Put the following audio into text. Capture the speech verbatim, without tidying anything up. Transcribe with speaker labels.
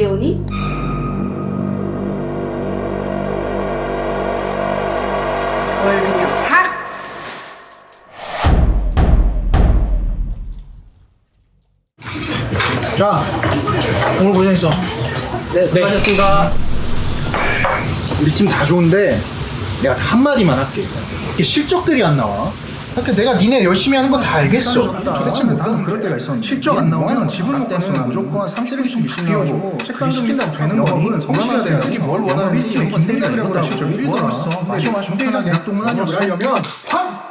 Speaker 1: 이재훈이? 그걸 그냥 팍!
Speaker 2: 자, 오늘 고생했어.
Speaker 3: 네, 수고하셨습니다.
Speaker 2: 우리 팀 다 좋은데 내가 다 한마디만 할게. 이게 실적들이 안 나와. 그러니까 내가 니네 열심히 하는 건 다 알겠어. 도대체 뭐 나는 그럴 때가 있었는데 실적 안 나오면 집을 못 갔으면 무조건 삼십일씩 비워주고 책상 좀 시킨다고 되는 거니? 성실해야 돼. 이게 뭘 원하는지 김대리가 그러더라고. 실적 일 위더라. 마셔 마셔 편하게 약동문하게 하려면 확!